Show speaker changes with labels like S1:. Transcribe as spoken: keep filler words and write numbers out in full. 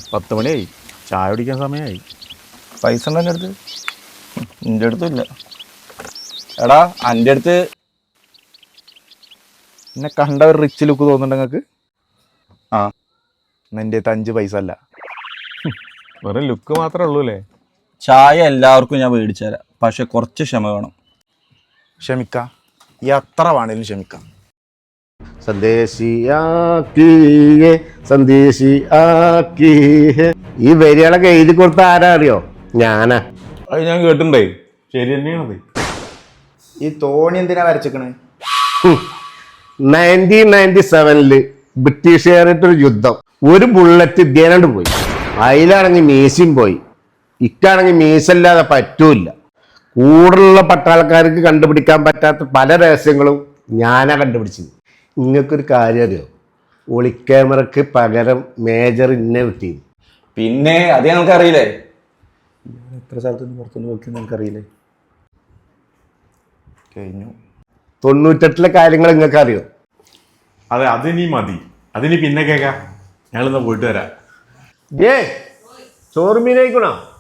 S1: പത്ത് മണിയായി, ചായ കുടിക്കാൻ സമയമായി.
S2: പൈസ ഉണ്ടോ എൻ്റെ അടുത്ത്? എൻ്റെ അടുത്തും ഇല്ല. എടാ എൻ്റെ അടുത്ത്
S1: എന്നെ കണ്ട ഒരു റിച്ച് ലുക്ക് തോന്നുന്നുണ്ട് നിങ്ങൾക്ക്?
S2: ആ
S1: എൻ്റെ അടുത്ത് അഞ്ച് പൈസ അല്ല, വെറും ലുക്ക് മാത്രമേ ഉള്ളൂ അല്ലേ?
S2: ചായ എല്ലാവർക്കും ഞാൻ മേടിച്ചു തരാം, പക്ഷെ കുറച്ച് ക്ഷമ വേണം.
S1: ക്ഷമിക്കാം, എത്ര വേണേലും ക്ഷമിക്കാം.
S3: സന്ദേശിയാക്കിയേ സന്ദേശിയാക്കിയേ. ഈ വരികളൊക്കെ എഴുതി കൊടുത്ത ആരാ അറിയോ? ഞാനാ.
S1: അത് ഞാൻ കേട്ടിട്ടുണ്ടേ, ശരി തന്നെയാണത്. ഈ തോണി എന്തിനാ വരച്ചിക്കണേ?
S3: നയൻറ്റീൻ നയൻറ്റി സെവനില് ബ്രിട്ടീഷുകാരായിട്ടൊരു യുദ്ധം, ഒരു ബുള്ളറ്റ് ഇദ്ദേഹം പോയി. അതിലാണെങ്കിൽ മീശയും പോയി, ഇക്കാണെങ്കിൽ മീശല്ലാതെ പറ്റൂല. കൂടുതലുള്ള പട്ടാളക്കാർക്ക് കണ്ടുപിടിക്കാൻ പറ്റാത്ത പല രഹസ്യങ്ങളും ഞാനാ കണ്ടുപിടിച്ചത്. നിങ്ങൾക്കൊരു കാര്യം അറിയോ? ഒളിക്യാമറക്ക് പകരം മേജർ ഇന്നെ കിട്ടിയത്.
S2: പിന്നെ അത് ഞങ്ങൾക്ക് അറിയില്ലേ?
S3: എത്ര സ്ഥലത്തുനിന്ന് പുറത്തുനിന്ന് നോക്കി നിങ്ങൾക്കറിയില്ലേ?
S1: കഴിഞ്ഞു.
S3: തൊണ്ണൂറ്റെട്ടിലെ കാര്യങ്ങൾ നിങ്ങൾക്ക് അറിയോ?
S1: അതെ, അതിനി മതി, അതിനി പിന്നെ കേൾക്കാം. ഞങ്ങളിന്ന് പോയിട്ട് വരാം.
S3: ഏ ചോറുമീനായിക്കണോ?